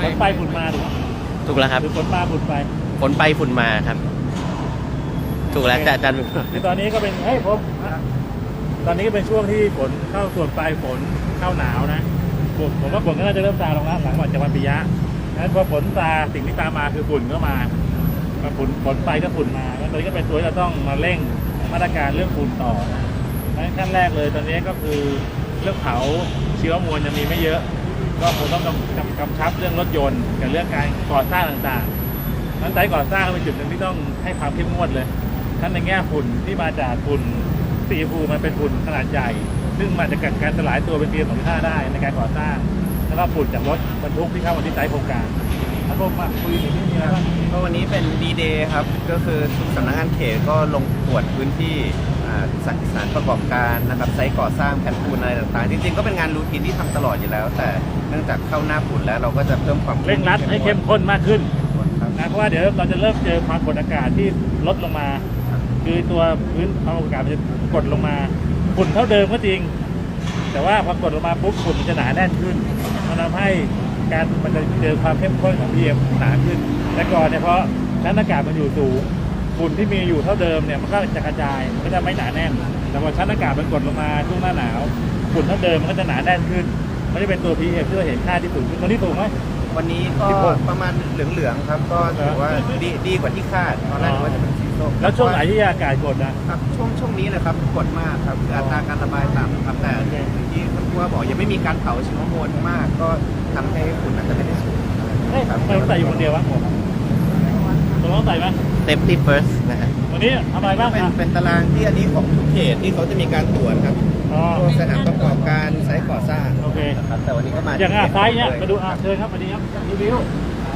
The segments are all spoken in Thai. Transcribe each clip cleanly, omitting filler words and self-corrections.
ฝนไปฝุ่นมาถูกแล้วครับหรือฝนมาฝุ่นไปฝนไปฝุ่นมาครับถูกแล้วแต่อาจารย์คือตอนนี้ก็เป็นตอนนี้ก็เป็นช่วงที่ฝนเข้าส่วนปลายฝนเข้าหนาวนะผมว่าฝนก็น่าจะเริ่มซาลงแล้วหลังวันปิยะนั้นพอฝนซาสิ่งที่ตามมาคือฝุ่นก็มาฝนไปก็ฝุ่นมาแล้วตอนนี้ก็เป็นตัวที่เราต้องมาเร่งมาตรการเรื่องฝุ่นต่อนะขั้นแรกเลยตอนนี้ก็คือเรื่องเผาเชื้อมวลยังมีไม่เยอะก็คงต้องกำชับเรื่องรถยนต์กับเรื่องการก่อสร้างต่างๆนั้นไซต์ก่อสร้างเป็นจุดหนึ่งที่ต้องให้ความเข้มงวดเลยทั้งในแง่ฝุ่นที่มาจากฝุ่นสีฟูมันเป็นฝุ่นขนาดใหญ่ซึ่งมันจะเกิดการสลายตัวเป็นPM2.5ได้ในการก่อสร้างแล้วก็ฝุ่นจากรถบรรทุกที่เข้ามาที่ไซต์โครงการครับผมคุยที่นี่มีอะไรบ้างก็วันนี้เป็นดีเดย์ครับก็คือสำนักงานเขตก็ลงตรวจพื้นที่สถานประกอบการนะครับไซต์ก่อสร้างแผ่นปูนอะไรต่างๆจริงๆก็เป็นงานรูทีนที่ทำตลอดอยู่แล้วแต่เนื่องจากเข้าหน้าฝุ่นแล้วเราก็จะเพิ่มความเร่งรัดให้เข้มข้นมากขึ้นนะเพราะว่าเดี๋ยวเราจะเริ่มเจอความกดอากาศที่ลดลงมาคือตัวพื้นความกดอากาศมันจะกดลงมาฝุ่นเท่าเดิมก็จริงแต่ว่าพอกดลงมาปุ๊บฝุ่นมันจะหนาแน่นขึ้นมันทำให้มันจะเจอความเข้มข้นของ PM หนาขึ้นแต่ก่อนเนี่ยเพราะชั้นอากาศมันอยู่สูงฝุ่นที่มีอยู่เท่าเดิมเนี่ยมันก็จะกระจายมันก็จะไม่หนาแน่นแต่พอชั้นอากาศมันกดลงมาช่วงหน้าหนาวฝุ่นเท่าเดิมมันก็จะหนาแน่นขึ้นมันจะเป็นตัว PM ที่เราเห็นค่าที่สูงขึ้นวันนี้สูงไหมวันนี้ก็ประมาณเหลืองๆครับก็ถือว่าดีกว่าที่คาดตอนแรกว่าจะเป็นสีส้มแล้วช่วงไหนที่อากาศกดนะครับช่วงนี้นะครับกดมากครับคืออัตราการระบายต่ำครับแต่ที่ท่านผู้ว่าบอกยังไม่มีการเผาเชื้อมวลมากก็ทำให้ฝุ่นอาจจะไม่ได้สูงครับไม่ต้องใส่อยู่คนเดียววะผมต้องใส่ไหม Safety first นะฮะวันนี้ทำอะไรบ้างเป็นตารางที่อันนี้ของทุกเขตที่เขาจะมีการตรวจครับสถานประกอบการไซต์ก่อสร้างโอเคครับแต่วันนี้ก็มาอย่างไซต์เนี่ยมาดูเชิญครับวันนี้ครับรีวิว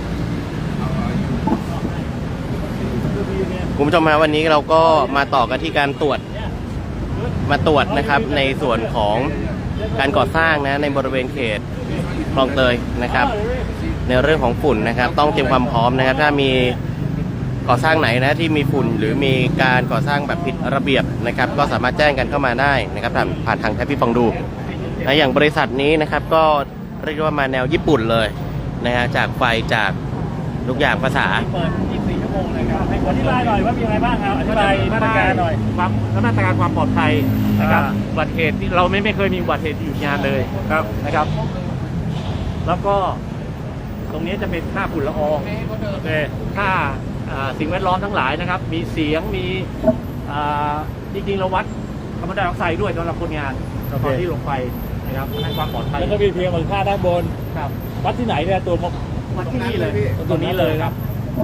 คุณผู้ชมมาวันนี้เราก็มาต่อกันที่การตรวจนะครับในส่วนของการก่อสร้างนะในบริเวณเขตคลองเตยนะครับในเรื่องของฝุ่นนะครับต้องเตรียมความพร้อมนะครับถ้ามีก่อสร้างไหนนะที่มีฝุ่นหรือมีการก่อสร้างแบบผิดระเบียบนะครับก็สามารถแจ้งกันเข้ามาได้นะครับผ่านทางแท็บพี่ฟองดูนะอย่างบริษัทนี้นะครับก็เรียกว่ามาแนวญี่ปุ่นเลยนะฮะจากไฟจากทุกอย่างภาษาเปิด24 ชั่วโมงเลยครับให้อธิบายหน่อยว่ามีอะไรบ้างครับอธิบายมาตรการหน่อยมาตรการความปลอดภัยนะครับอุบัติเหตุที่เราไม่เคยมีอุบัติเหตุอยู่งานเลยครับนะครับแล้วก็ตรงนี้จะเป็นค่าฝุ่นละอองค่าสิ่งแวดล้อมทั้งหลายนะครับมีเสียงมีจริงๆเราวัดคาร์บอนไดออกไซด์ด้วยสำหรับคนงานตอนที่ลงไปนะครับให้ความปลอดภัยแล้วก็มีเพียงค่าด้านบนครับวัดที่ไหนเนี่ยตัววัดที่นี่เลยตัวนี้เลยครับ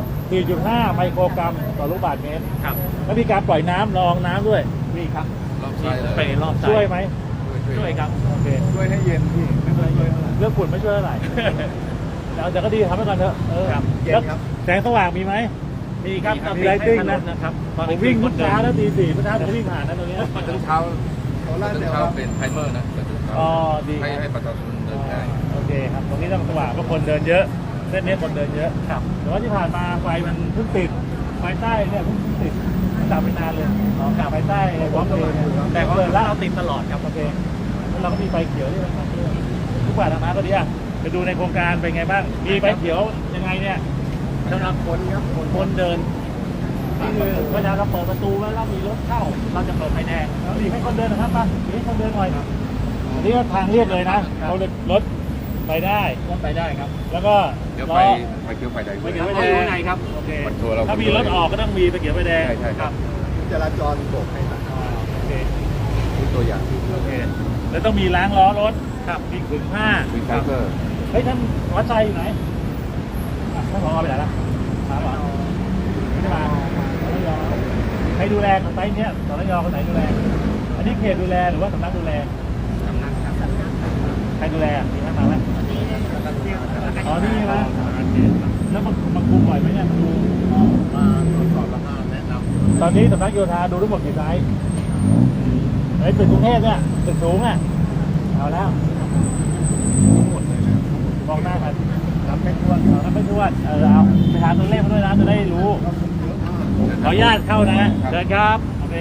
4.5 ไมโครกรัมต่อลูกบาศก์เมตรครับแล้วมีการปล่อยน้ำรองน้ำด้วยนี่ครับไปรอบช่วยไหมช่วยครับโอเคช่วยให้เย็นพี่ไม่ช่วยเรื่องฝุ่นไม่ช่วยเท่าไหร่แต่ก็ดีทำให้ก่อนเถอะแล้วแสงสว่างมีไหมมีครับมีไลติ้งนะครับผมวิ่งทุกเช้าแล้วตี 4เมื่อเช้าผมวิ่งผ่านนะตรงนี้ตอนเช้าเป็นไทเมอร์นะอ๋อดีให้ประชาชนเดินได้โอเคครับตรงนี้ต้องสว่างเพราะคนเดินเยอะเส้นนี้คนเดินเยอะครับแต่ว่าที่ผ่านมาไฟมันเพิ่งติดไฟใต้เนี่ยเพิ่งติดดับไปนานเลยกลับไฟใต้พร้อมเลยแต่ก็เลยเราติดตลอดครับโอเคแล้วเราก็มีไฟเขียวที่มันทุกบาทนะก็ดีอ่ะไปดูในโครงการเป็นไงบ้างมีไฟเขียวยังไงเนี่ยสำหรับคนครับคนเดินนี่คือเวลาเราเปิดประตูแล้วเรามีรถเข้าเราจะเปิดไฟแดงแล้วดีให้คนเดินนะครับป่ะดีให้คนเดินหน่อยอันนี้ก็ทางเรียบเลยนะเขารถไปได้ครับแล้วก็เดี๋ยวไฟเขียวไฟแดงไฟเขียวไฟแดงไงครับโอเคถ้ามีรถออกก็ต้องมีไฟเขียวไฟแดงใช่ครับจราจรโบกให้โอเคตัวอย่างโอเคแล้วต้องมีล้างล้อรถครับมีขึงผ้ามีไฟเบอร์เฮ้ยท่านวัดใจอยู่ไหนท่านผอไปไหนล่ะมาป่ะไม่ได้มาใครดูแลไซต์เนี้ยสนยคนไหนดูแลอันนี้เขตดูแลหรือว่าสำนักดูแลสำนักใครดูแลมีท่านมาไหมอ๋อนี่ไหมแล้วมาคุมบ่อยไหมเนี่ยมาดูมาตรวจสอบแล้วก็แนะนำตอนนี้สำนักโยธาดูทั้งหมดกี่ไซต์ไอ้ตึกกรุงเทพเนี่ยตึกสูงอ่ะเอาแล้วมองหน้ากันนับไม่ถ้วนนับไม่ถ้วนเอาไปหาตัวเลขมาด้วยนะจะได้รู้ขออนุญาตเข้านะเชิญครับโอเค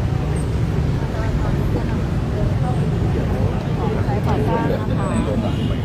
ในรถ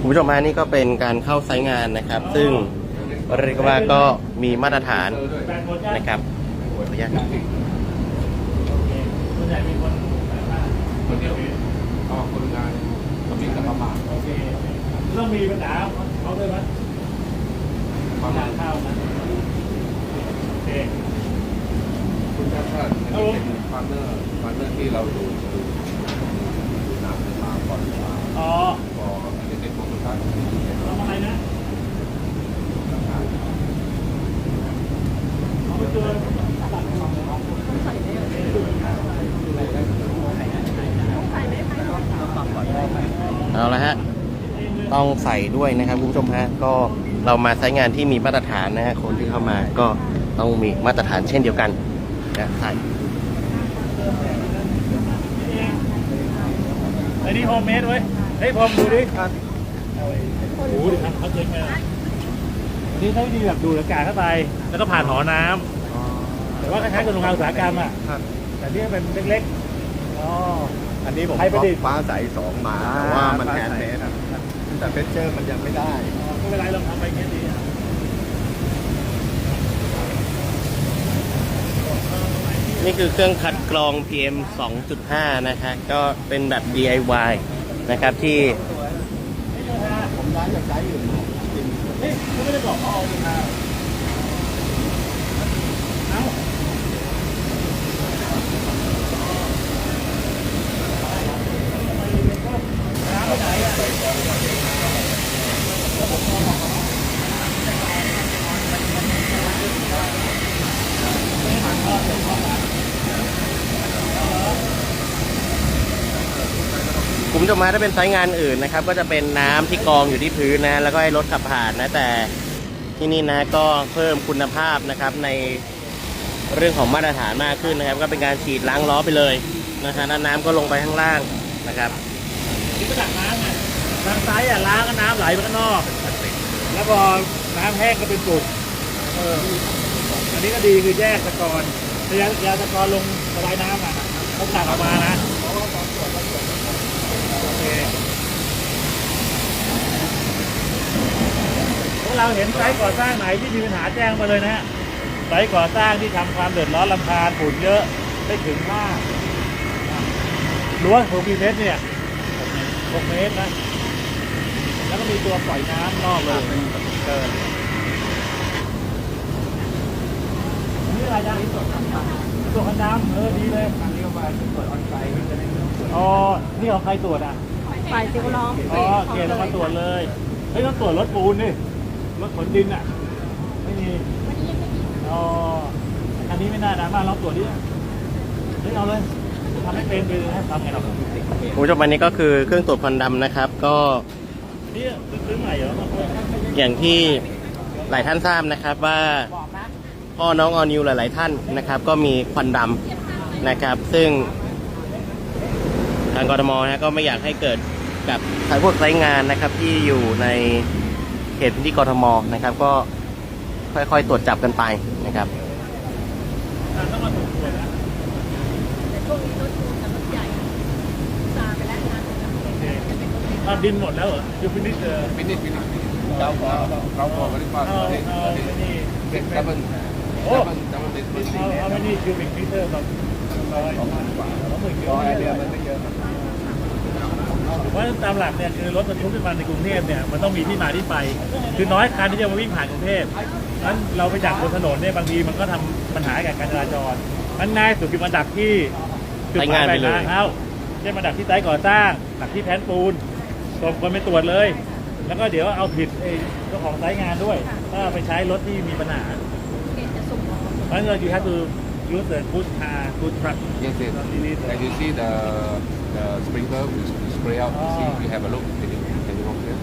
คุณผู้ชมฮะนี่ก็เป็นการเข้าไซต์งานนะครับ ซึ่งเรียกว่าก็มีมาตรฐานแปดคนใช่นะครับขออนุญาตโอเคส่วนใหญ่มีคนแบบว่าคนเดียวก็คนงานก็มีกับประมาณโอเคเรื่องมีปัญหาเขาด้วยไหมประมาณข้าวนะโอเคคุณชาติชาติอันนี้เป็นพาร์ทเนอร์ที่เราดูหนังมาก่อนมาอ๋อพออันนี้เป็นของคุณชาติทำอะไรนะเขาไปเจอเอาละฮะต้องใส่ด้วยนะครับคุณผู้ชมฮะก็เรามาไซต์งานที่มีมาตรฐานนะฮะคนที่เข้ามาก็ต้องมีมาตรฐานเช่นเดียวกันนะใส่ไอ้นี่โฮมเมดเว้ยเฮ้ยพอมดูดิโอ้โหดิครับเขาเจ๊งมาอันนี้ใช้วิธีแบบดูดอากาศเข้าไป แล้วก็ผ่านหอน้ำแต่ว่าคล้ายๆกับโรงงานอุตสาหกรรมอ่ะ แต่ที่เป็นเล็กๆ อ๋ออันนี้ผมใครประดิษฐ์ฟ้าใส2มาแต่ว่ามันแฮนด์เมดแต่เฟเจอร์มันยังไม่ได้ไม่เป็นไรลองทำไปแค่นี้นี่คือเครื่องคัดกรอง PM 2.5 นะฮะก็เป็นแบบ DIY นะครับที่ผมย้ายจากไซต์อื่นมาจริงเฮ้ยเขาไม่ได้บอกเขาเอาเลยนะเอ้าน้ำไปไหนอ่ะคุณผู้ชมมาถ้าเป็นไซต์งานอื่นนะครับก็จะเป็นน้ำที่กองอยู่ที่พื้นนะแล้วก็ให้รถขับผ่านนะแต่ที่นี่นะก็เพิ่มคุณภาพนะครับในเรื่องของมาตรฐานมากขึ้นนะครับก็เป็นการฉีดล้างล้อไปเลยนะฮะแล้วน้ำก็ลงไปข้างล่างนะครับนี่ก็ดักน้ำไงทางซ้ายอ่ะล้างก็น้ำไหลไปข้างนอก แล้วพอน้ำแห้งก็เป็นกรดอันนี้ก็ดีคือแยกตะกอนยาตะกอนลงระบายน้ำอ่ะเขาตักออกมานะโอเคพวกเราเห็นไซต์ก่อสร้างไหนที่มีปัญหาแจ้งมาเลยนะฮะไซต์ก่อสร้างที่ทำความเดือดร้อนรำคาญฝุ่นเยอะไม่ถึงมากรั้วของกี่เมตรเนี่ย6 เมตรนะ แล้วก็มีตัวปล่อยน้ำนอกเลยเกินนี่อะไรนะตัวคันดำดีเลยอันนี้ก็ไปตรวจออนไซต์อ๋อ นี่ของใครตรวจอ่ะฝ่ายสิ่งแวดล้อมอ๋อเกณฑ์เรามาตรวจเลยเฮ้ยต้องตรวจรถปูนดิรถขนดินอ่ะ ไม่มีอ๋ออันนี้ไม่น่านะมาลองตรวจดิเฮ้ยเอาเลยทำให้เป็นไปเลยนะทำไงเราคุณผู้ชมอันนี้ก็คือเครื่องตรวจควันดำนะครับก็นี่ซื้อใหม่เหรออย่างที่หลายท่านทราบนะครับว่าพ่อน้องออนิวหลาย ๆ ท่านนะครับก็มีควันดำนะครับซึ่งทางกทมนะก็ไม่อยากให้เกิดกับพวกไซต์งานนะครับที่อยู่ในเขตพื้นที่กทมนะครับก็ค่อย ๆ ตรวจจับกันไปนะครับต้องมาตรวจนะแต่ช่วงนี้รถปูนกับรถใหญ่ซาไปแล้วนะดินหมดแล้วเหรอยูฟินิชฟินิชเราพอกันดีกว่าเอาเด็กนี่เป็นดับเบิลเด็กเอาไม่นี่คิวบิกมิเตอร์แบบ20,000 กิโลเดือนมันไม่เยอะครับเพราะตามหลักเนี่ยคือรถบรรทุกขึ้นมาในกรุงเทพเนี่ยมันต้องมีที่มาที่ไป คือน้อยคันที่จะมาวิ่งผ่านกรุงเทพนั้นเราไปดักบนถนนเนี่ยบางทีมันก็ทำปัญหากับการจราจรมันง่ายสุดคือมาดักที่จุดหมายปลายทางเขาเช่นมาดักที่ไซต์ก่อสร้างดักที่แผ่นปูนส่งคนไปตรวจเลย แล้วก็เดี๋ยวเอาผิดเจ้าของไซต์งานด้วยถ้าไปใช้รถที่มีปัญหาเกณฑ์จะส่งออกเพราะฉะนั้นyou have to use the good car good truck Yes, yes. And you see the sprinkler will spray out. See, you have a look. Can you walk there?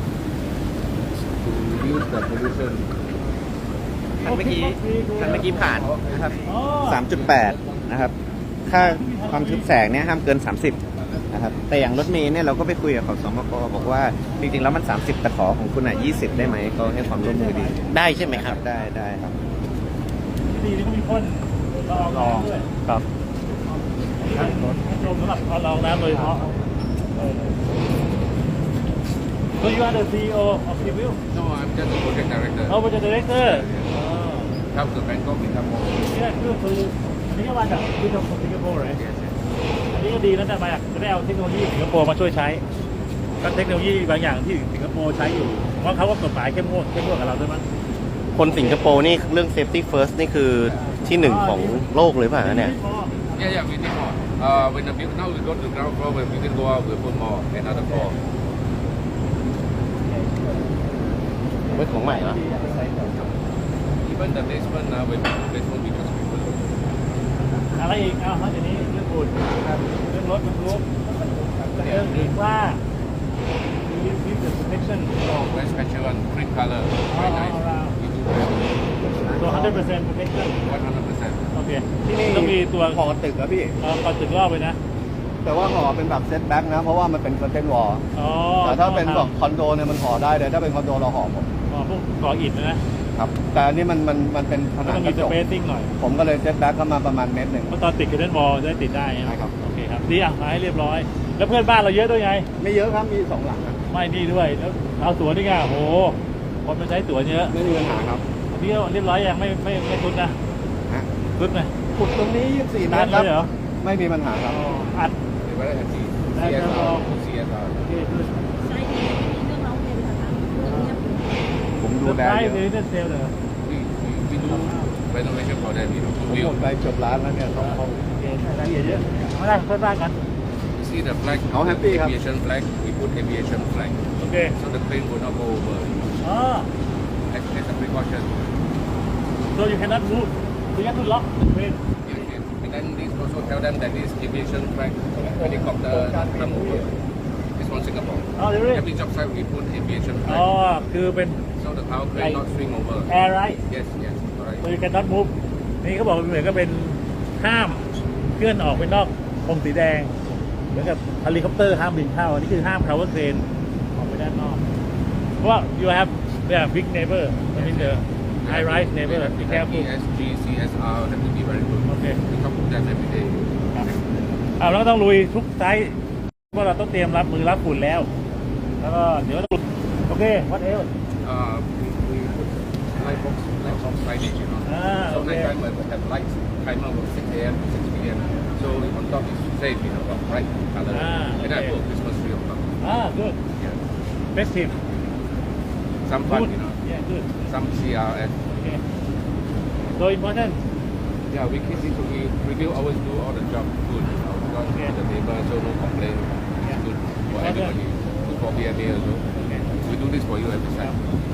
To reduce the pollution. คันเมื่อกี้ผ่านนะครับอ๋อ 3.8 นะครับ ค่าความทึบแสงเนี่ยห้ามเกิน 30 นะครับ แต่อย่างรถเมล์เนี่ยเราก็ไปคุยกับขสมกบอกว่าจริงๆแล้วมัน 30 แต่ขอของคุณอ่ะ 20 ได้ไหมก็ให้ความร่วมมือดีได้ใช่ไหมครับได้ครับดีนี่ก็มีพ่นลองด้วยครับชมสำหรับลองน้ำโดยเฉพาะ So you are the CEO of Civil? No, I'm just a project director. Oh, project director. Come to Bangkok in Singapore. Yeah, good. So อันนี้ก็มาจากที่ของสิงคโปร์เลย Yes, yes. อันนี้ก็ดีนะแต่มาจะได้เอาเทคโนโลยีสิงคโปร์มาช่วยใช้ก็เทคโนโลยีบางอย่างที่สิงคโปร์ใช้อยู่เพราะเขาก็กฎหมายเข้มงวดกับเราด้วยมั้งคนสิงคโปร์นี่เรื่อง safety first นี่คือที่หนึ่งของโลกเลยป่ะเนี่ย Yeah, yeah, we need more. When the build, now we go to the ground floor, when we can go out, we'll put more, another floor. เว้ยของใหม่เหรอ Even the basement, when we do the basement, we just rebuild. อะไรอีกเอานอกจากนี้เรื่องฝุ่นเรื่องรถบรรทุกเรื่องอีกว่า we the protection Oh, very special one, cream color, very nice. We do very so 100% protection 100%. โอเคที่นี่ต้องมีตัวห่อตึกอะพี่ก่อนตึกรอบเลยนะแต่ว่าห่อเป็นแบบเซตแบ็กนะ เพราะว่ามันเป็นคอนเทนต์วอลอ๋อแต่ถ้าเป็นแบบคอนโดเนี่ยมันห่อได้เลยถ้าเป็นคอนโดเราห่อหมดพวกก่ออิฐนะครับแต่อันนี้มันเป็นผนัต้อง งกมีระสจกเปซซิ่งหน่อยผมก็เลยเซตแบ็กเข้ามาประมาณเมตรหนึ่งเพราะตอนติดกับเล่นบอลจะได้ติดได้ใช่ครับโอเคครับดีอ่ะมาให้เรียบร้อย แล้วเพื่อนบ้านเราเยอะด้วยไงไม่เยอะครับ มี2 หลังนะไม่นี่ด้วยแล้วเอาสวนนี่ไงโอ้โหคนมาใช้สวนเยอะไม่มีปัญหาครับอันนี้ก็เรียบร้อยยังไม่ทุดนะฮะทุดไหมขุดตรงนี้24 เมนานตรครับเลยเหรอไม่มีปัญหาครับอัด They're very happy. That's CSR, all. CSR. โอเคคือใช่ที่มีเรื่องร้องเรียนค่ะเรื่องเงียบผมเซดูอร์แลไพรเยส์อะเดลิเซลเหรอ We do renovation for them, you know, ผม to หม build. ดไปเกือบล้านแล้วเนี่ย2 ห้องโอเครายละเอียดเยอะไม่ได้เพื่อนบ้านกัน You see the flag, How happy, huh? aviation flag, we put aviation flag. โอเค So the plane will not go over. อ๋อ As a precaution. so you cannot move you have to lock the train Yes, yes. And then this also tell them that this aviation flag helicopter come over. It's from Singapore. อ๋อเดี๋ยวนี้ Every job site we put aviation อ๋อ flag. คือเป็น So the power crane not swing over. air right Yes, yes, correct. so you cannot move นี่เขาบอกเหมือนก็เป็นห้ามเคลื่อนออกไปนอกธงสีแดง เหมือนกับเฮลิคอปเตอร์ห้ามบินเข้าอันนี้คือห้าม power crane ออกไปด้านนอก เพราะว่า you have big neighbor I mean the high rise neighbor be careful ESG, CSR have to be very good. Okay. We talk to them every day. ครับแล้วก็ต้องลุยทุกไซส์เพราะเราต้องเตรียมรับมือรับฝุ่นแล้ว แล้วก็เดี๋ยวต้องโอเค what else We put light box signage, you know. Ah, so okay. night time we have lights timer from 6 a.m. to 6 p.m. So on top is safe, you know, got bright color. Ah, And I okay. put Christmas tree on top. good Yeah. festive Some fun, good you know. yeah good Some CRS. okay so important Yeah, we keep it to we review always do all the job good, you know, because Okay. the neighbor so no complaint. Yeah. It's good for Okay. everybody. Good for BMA also. okay We do this for you every time.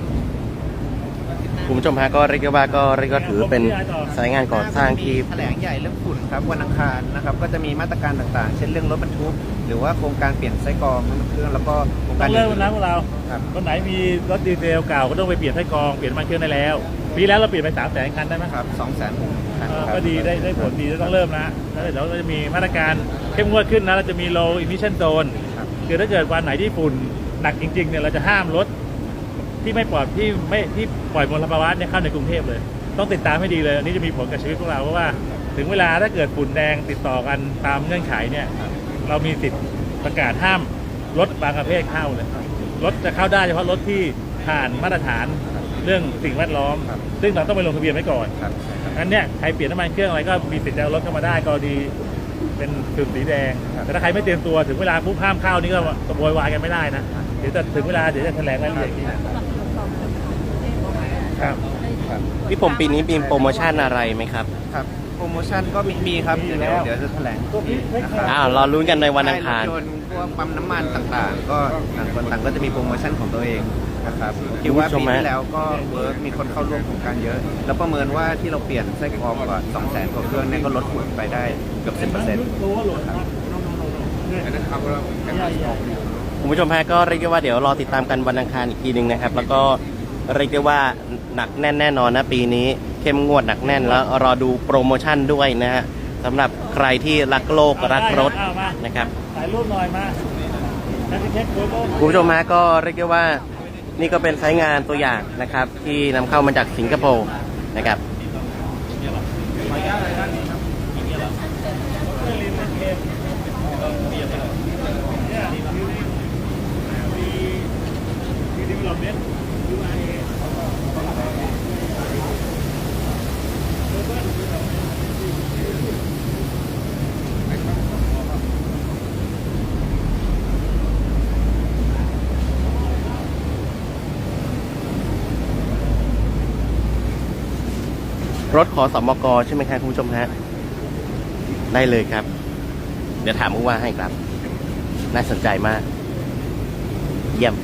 คุณผู้ชมฮะก็เรียกได้ว่าก็ถือเป็นสายงานก่อสร้างที่แถลงใหญ่เรื่องฝุ่นครับวันอังคารนะครับก็จะมีมาตรการต่างๆ เช่นเรื่องรถบรรทุกหรือว่าโครงการเปลี่ยนไส้กรองน้ำมันเครื่องแล้วก็โครงต้กาอรงเริ่มแล้วนะพวกเราครับคนไหนมีรถดีเซลเก่าก็ต้องไปเปลี่ยนไส้กรองเปลี่ยนน้ำมันเครื่องได้แล้วปีแล้วเราเปลี่ยนไป300,000 คันได้ไหมครับ200,000 คันครับก็ดีได้ผลดีต้องเริ่มนะแล้วเดี๋ยวเราจะมีมาตรการเข้มงวดขึ้นนะเราจะมี low emission zone ครับคือถ้าเกิดวันไหนที่ฝุ่นหนักจริงๆเนี่ยเราจะห้ามรถที่ไม่ปลอดที่ปล่อยมลภาวะเนี่ยเข้าในกรุงเทพเลย ต้องติดตามให้ดีเลยอันนี้จะมีผลกับชีวิตพวกเราเพราะว่าถึงเวลาถ้าเกิดฝุ่นแดงติดต่อกันตามเงื่อนไขเนี่ยเรามีสิทธิ์ประกาศห้ามรถบางประเภทเข้าเลยรถจะเข้าได้เฉพาะรถที่ผ่านมาตรฐานเรื่องสิ่งแวดล้อม ซึ่งเราต้องไปลงทะเบียนไว้ก่อนครับงั้นเนี่ยใครเปลี่ยนน้ำมันเครื่องอะไรก็มีสิทธิ์จะเอารถเข้ามาได้ก็ดีเป็นจุดสีแดง แต่ถ้าใครไม่เตรียมตัวถึงเวลาปุ๊บห้ามเข้านี่ก็โวยวายกันไม่ได้นะเดี๋ยวจะถึงเวลาเดี๋ยวจะแถลงรายละเอียดอีกทีสำหรับตรวจสอบกฎหมายประเทศของเราครับครับพี่ผมปีนี้มีโปรโมชั่นอะไรไหมครับครับโปรโมชั่นก็มีครับมีอยู่เดี๋ยวแล้วเดี๋ยวจะแถลงอีกนะครับรอลุ้นกันในวันอังคารใช่ถยนต์พวกปั๊มน้ำมันต่างๆ ก็ต่างคนต่างก็จะมีโปรโมชั่นของตัวเองนะครับคิดว่าคุณผู้ชปีมฮะที่แล้วก็เวิร์กมีคนเข้าร่วมโครงการเยอะ แล้วประเมินว่าที่เราเปลี่ยนไส้กรองกว่า 200,000 กว่าเครื่องเนี่ยก็ลดฝุ่นไปได้เกือบ 10% รู้ว่าโหลดครับ And then cover up with cameras properly. คุณผู้ชมฮะก็เรียกได้ว่าเดี๋ยวรอติดตามกันวันอังคารอีกทีหนึ่งนะครับ แล้วก็เรียกได้ว่าหนักแน่นแน่นอนนะปีนี้เข้มงวดหนักแน่นแล้วรอดูโปรโมชั่นด้วยนะฮะสำหรับใครที่รักโลกรักรถเอามานะครับถ่ายรูปหน่อยมาแล้วจะเช็คโฟโต้คุณผู้ชมฮะก็เรียกได้ว่านี่ก็เป็นไซต์งานตัวอย่างนะครับ ที่นำเข้ามาจากสิงคโปร์นะครับเรถขอสมกใช่ไหมครับคุณผู้ชมฮะได้เลยครับ เดี๋ยวถามผู้ว่าให้ครับ น่าสนใจมาก เยี่ยม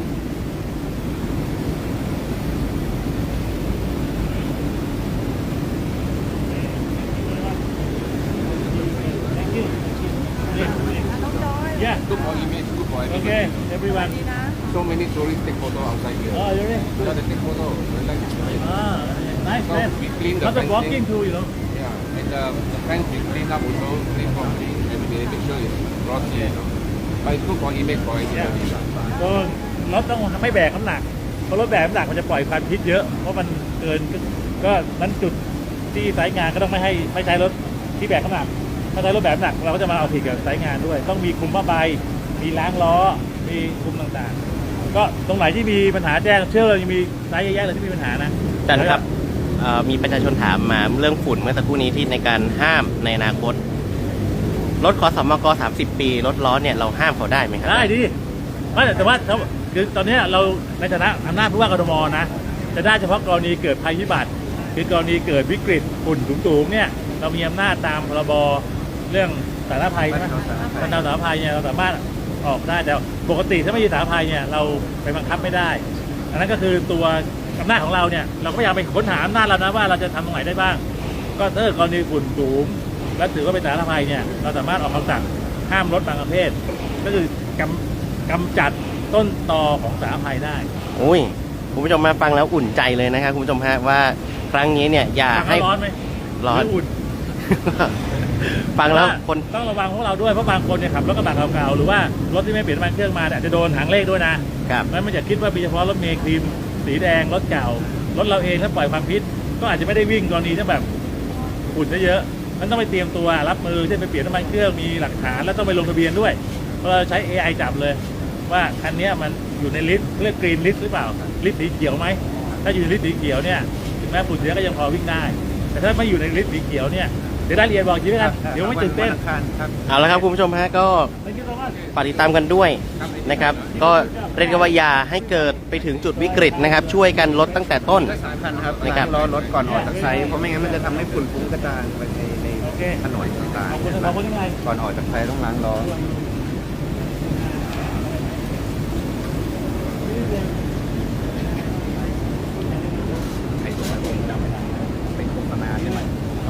Yeah. Good for image, good for everything. Okay, everyone. So many tourists take photo outside here. Oh, you're in. Yeah, they take photo. They like Ah, nice So man. we clean the Lots of fencing. walking too, you know. Yeah, and the fence we clean up also, clean properly every day, make sure it's glossy, you know. But it's good for image for everybody. ก็รถต้องไม่แบกน้ำหนักเพราะรถแบกน้ำหนักมันจะปล่อยควันพิษเยอะเพราะมันเกินก็นั้นจุดที่สายงานก็ต้องไม่ใช้รถที่แบกน้ำหนักถ้าใช้รถแบกน้ำหนักเราก็จะมาเอาผิดกับสายงานด้วย ต้องมีคุมผ้าใบมีล้างล้อมีคุมต่างๆ ก็ตรงไหนที่มีปัญหาแจ้งเชื่อเลยยังมีสายแยกๆเลยที่มีปัญหานะอาจารย์ครับมีประชาชนถามมาเรื่องฝุ่นเมื่อสักครู่นี้ที่ในการห้ามในอนาคต รถขอสมก30 ปี รถล้อเนี่ยเราห้ามเขาได้ไหมครัได้ดิไม่แต่ว่าคือตอนนี้เราในฐานะอำนาจผู้ว่ากทมนะจะได้เฉพาะกรณีเกิดภัยพิบัติคือกรณีเกิดวิกฤตฝุ่นสูงๆเนี่ยเรามีอำนาจตามพรบเรื่องสาธารณภัยใช่ไหมบรรเทาสาธารณภัยเนี่ยเราสามารถออกได้แต่ปกติถ้าไม่มีสาธารณภัยเนี่ยเราไปบังคับไม่ได้อันนั้นก็คือตัวอำนาจของเราเนี่ยเราก็พยายามไปค้นหาอำนาจเรานะว่าเราจะทำตรงไหนได้บ้าง ก็ถ้ากรณีฝุ่นสูงและถือว่าเป็นสาธารณภัยเนี่ยเราสามารถออกคำสั่งห้ามรถบางประเภทก็คือกำจัดต้นตอของสาธารณภัยได้โอ้ยคุณผู้ชมมาฟังแล้วอุ่นใจเลยนะครับคุณผู้ชมฮะว่าครั้งนี้เนี่ยอย่าฟังให้แล้วร้อนไหมร้อนหอุ่นฟังแล้วคนต้องระวังพวกเราด้วยเพราะบางคนเนี่ยขับรถกระบะเก่าๆหรือว่ารถที่ไม่เปลี่ยนน้ำมันเครื่องมาเนี่ยอาจจะโดนหางเลขด้วยนะครับ งั้นไม่อยากคิดว่ามีเฉพาะรถเมล์ครีมสีแดงรถเก่ารถเราเองถ้าปล่อยความพิษก็อาจจะไม่ได้วิ่งกรณีที่แบบฝุ่นเยอะๆมันต้องไปเตรียมตัวรับมือเช่นไปเปลี่ยนน้ำมันเครื่องมีหลักฐานแล้วต้องไปลงทะเบียนด้วยเพราะเราใช้ AI จับเลย ว่าคันนี้มันอยู่ในลิสต์เรียกกรีนลิสต์หรือเปล่าลิสต์สีเขียวไหมถ้าอยู่ในลิสต์สีเขียวเนี่ยถึงแม้ฝุ่นเยอะก็ยังพอวิ่งได้ แต่ถ้าไม่อยู่ในลิสต์สีเขียวเนี่ยเดี๋ยวได้เรียนบอกชีวิตกันเดี๋ยวไม่ตื่นเต้นเอาละครับคุณผู้ชมฮะก็ไม่คิดว่าฝากติดตามกันด้วยนะครับ ก็เรียกได้ว่าอย่าให้เกิดไปถึงจุดวิกฤตนะครับ ช่วยกันลดตั้งแต่ต้นสำคัญครับนะครับล้างล้อรถก่อนออกจากไซต์เพราะไม่งั้นมันจะทำให้ฝุ่นฟุ้งกระจายไปในโอเคถนนต่างขอบคุณขอบคุณยังไงๆก่อนออกจากไซต์ต้องล้างล้อไอ้ตัวนั้นผมจำไม่ได้เป็นโฆษณาใช่ไหม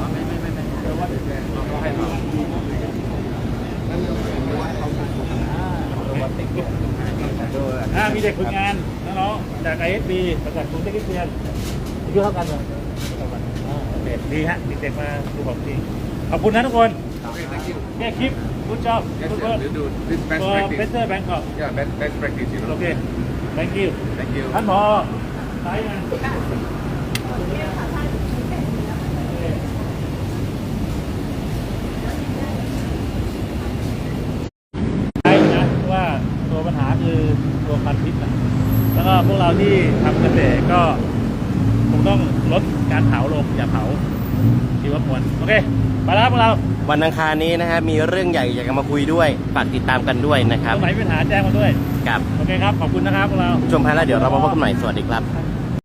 มีเด็กฝึกงานน้องๆจาก ISB มาจากกรุงเทพคริสเตียนอายุเท่ากันเลยโอเคดีฮะเด็กๆมาดูของจริงขอบคุณนะทุกคน Okay, thank you. แค่คลิปคุณชอบ Yes, คุณ yes, เวิร์ we'll do this best ตัว practice. เบสเตอร์แบงคอก Yeah, best practice, you โอ know. เค thank you Thank you. ท่านผอสายงานใช่นะว่าตัวปัญหาคือตัวควันพิษนะแล้วก็พวกเราที่ทำเกษตรก็คงต้องลดการเผาลงอย่าเผาชีวมวลโอเคไปแล้วครับพวกเราวันอังคารนี้นะฮะมีเรื่องใหญ่อยากจะมาคุยด้วยฝากติดตามกันด้วยนะคตรับรงไหนมีปัญหาแจ้งมาด้วยกับโอเคครับ ขอบคุณนะครับพวกเราชมฮะแล้วเดี๋ยวเรามาพบกันใหม่สวัสดีครับ